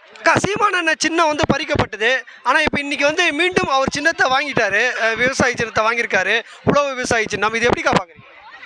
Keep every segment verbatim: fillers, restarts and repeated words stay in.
அக்கா சீமான் அண்ணன் சின்னம் வந்து பறிக்கப்பட்டது. ஆனால் இப்போ இன்னைக்கு வந்து மீண்டும் அவர் சின்னத்தை வாங்கிட்டாரு. அஹ் விவசாய சின்னத்தை வாங்கியிருக்காரு. உழவு விவசாய சின்னம். இது எப்படிக்கா பார்க்குறீங்க?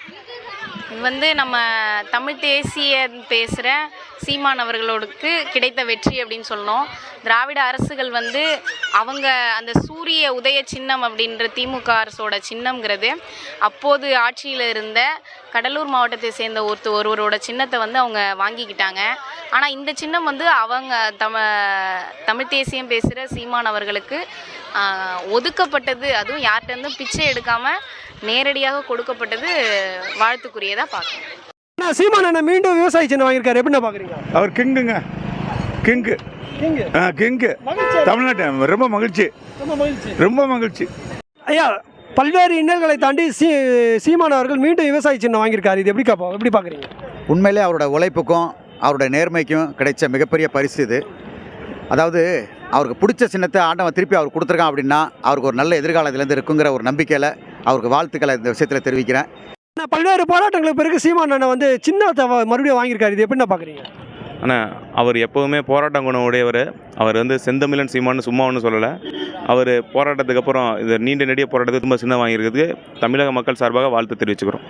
இது வந்து நம்ம தமிழ் தேசிய பேசுகிற சீமான் அவர்களோடுக்கு கிடைத்த வெற்றி அப்படின்னு சொல்லணும். திராவிட அரசுகள் வந்து அவங்க அந்த சூரிய உதய சின்னம் அப்படின்ற திமுக அரசோட சின்னம்ங்கிறது அப்போது ஆட்சியில் இருந்த கடலூர் மாவட்டத்தை சேர்ந்த ஒருத்த ஒருவரோட சின்னத்தை வந்து அவங்க வாங்கிக்கிட்டாங்க. ஆனால் இந்த சின்னம் வந்து அவங்க தம தமிழ் தேசியம் பேசுகிற சீமான் அவர்களுக்கு ஒதுக்கப்பட்டது. அதுவும் யார்கிட்டருந்தும் பிச்சை எடுக்காமல் நேரடியாக கொடுக்கப்பட்டது வாழ்த்துக்குரியதாக பார்க்கணும். ஆனால் சீமான் அண்ணன் மீண்டும் விவசாய சின்னம் வாங்கியிருக்காரு. எப்படின்னா பார்க்குறீங்க? அவர் கிங்குங்க, கிங்கு ஆ கிங்கு தமிழ்நாட்டு ரொம்ப மகிழ்ச்சி, ரொம்ப மகிழ்ச்சி. ஐயா, பல்வேறு இன்னல்களை தாண்டி சீ சீமான் அவர்கள் மீண்டும் விவசாய சின்னம் வாங்கியிருக்காரு. இது எப்படி காப்பா எப்படி பார்க்குறீங்க? உண்மையிலே அவரோட உழைப்புக்கும் அவரோட நேர்மைக்கும் கிடைச்ச மிகப்பெரிய பரிசு இது. அதாவது அவருக்கு பிடிச்ச சின்னத்தை ஆண்டவன் திருப்பி அவர் கொடுத்துருக்கான் அப்படின்னா அவருக்கு ஒரு நல்ல எதிர்காலத்திலேருந்து இருக்குங்கிற ஒரு நம்பிக்கையில் அவருக்கு வாழ்த்துக்களை இந்த விஷயத்தில் தெரிவிக்கிறேன். ஆனால் பல்வேறு போராட்டங்களுக்கு பிறகு சீமான் அண்ணன் வந்து சின்னத்தை மறுபடியும் வாங்கியிருக்காரு. இது எப்படின்னா பார்க்குறீங்க? ஆனால் அவர் எப்போவுமே போராட்டம் குணம் உடையவர். அவர் வந்து செந்தமிழன் சீமான்னு சும்மா ஒன்றும் சொல்லலை. அவர் போராட்டத்துக்கு அப்புறம் இந்த நீண்ட நெடிய போராட்டத்தை ತುಂಬ சின்ன வாங்கியிருக்கிறதுக்கு தமிழக மக்கள் சார்பாக வாழ்த்து தெரிவிச்சுக்கிறோம்.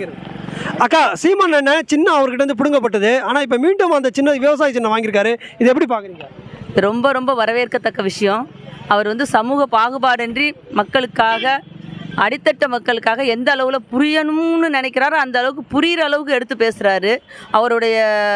அக்கா, சீமான் அண்ணன் சின்னம் அவர்கிட்ட இருந்து பிடுங்கப்பட்டது. ஆனால் இப்போ மீண்டும் அந்த சின்ன விவசாய சின்னம் வாங்கியிருக்காரு. இது எப்படி பார்க்குறீங்க? ரொம்ப ரொம்ப வரவேற்கத்தக்க விஷயம். அவர் வந்து சமூக பாகுபாடின்றி மக்களுக்காக, அடித்தட்ட மக்களுக்காக எந்த அளவில் புரியணும்னு நினைக்கிறாரோ அந்த அளவுக்கு புரிகிற அளவுக்கு எடுத்து பேசுகிறாரு. அவருடைய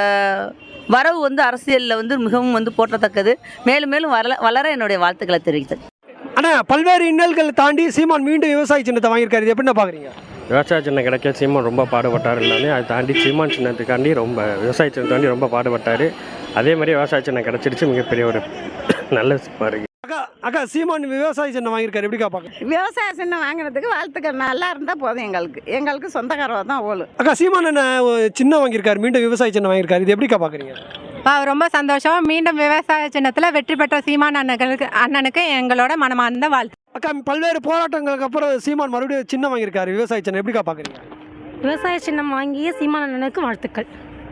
வரவு வந்து அரசியலில் வந்து மிகவும் வந்து போற்றத்தக்கது. மேலும் மேலும் வளர வளர என்னுடைய வாழ்த்துக்களை தெரிவித்தது. ஆனால் பல்வேறு இன்னல்கள் தாண்டி சீமான் மீண்டும் விவசாய சின்னத்தை வாங்கியிருக்காரு. இது எப்படின்னா பார்க்குறீங்க? விவசாய சின்னம் கிடைக்க சீமான் ரொம்ப பாடுபட்டார். எல்லாமே அதை தாண்டி சீமான் சின்னத்துக்காண்டி ரொம்ப விவசாய சின்னத்தாண்டி ரொம்ப பாடுபட்டார். அதே மாதிரி விவசாய சின்னம் கிடச்சிருச்சு, மிகப்பெரிய ஒரு நல்ல விஷயமா இருக்குது. அக்கா அக்கா சீமான் விவசாய சின்னம் வாங்கியிருக்காரு. எப்படி பார்க்க? விவசாய சின்னம் வாங்கினதுக்கு வாழ்த்துக்கள். நல்லா இருந்தால் போதும். எங்களுக்கு எங்களுக்கு சொந்தக்காரவ தான் ஓலு. அக்கா சீமான் அண்ணன் சின்னம் வாங்கியிருக்காரு. மீண்டும் விவசாய சின்னம் வாங்கியிருக்காரு. இது எப்படிக்கா பார்க்குறீங்க? ரொம்ப சந்தோஷம். மீண்டும் விவசாய சின்னத்தில் வெற்றி பெற்ற சீமான் அண்ணனுக்கு அண்ணனுக்கு எங்களோட மனமார்ந்த வாழ்த்து. அக்கா, பல்வேறு போராட்டங்களுக்கு அப்புறம் சீமான் மறுபடியும் சின்னம் வாங்கியிருக்காரு. விவசாய சின்னம் எப்படிக்கா பார்க்குறீங்க? விவசாய சின்னம் வாங்கிய சீமான் அண்ணனுக்கு வாழ்த்துக்கள்.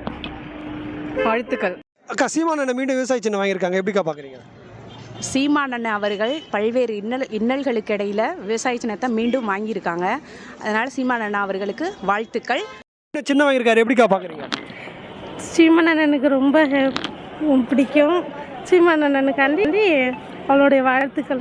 வாழ்த்துக்கள். அக்கா, சீமான் அண்ணன் மீண்டும் விவசாய சின்னம் வாங்கியிருக்காங்க. எப்படிக்கா பார்க்குறீங்க? சீமான் அண்ணன் அவர்கள் பல்வேறு இன்னல் இன்னல்களுக்கு இடையில் விவசாய சின்னத்தை மீண்டும் வாங்கியிருக்காங்க. அதனால் சீமான் அண்ணன் அவர்களுக்கு வாழ்த்துக்கள். சின்னம் வாங்கியிருக்காரு. எப்படிக்கா பார்க்குறீங்க? சீமான் அண்ணனுக்கு ரொம்ப பிடிக்கும். சீமான் அண்ணனுக்காண்டி அவளுடைய வாழ்த்துக்கள்.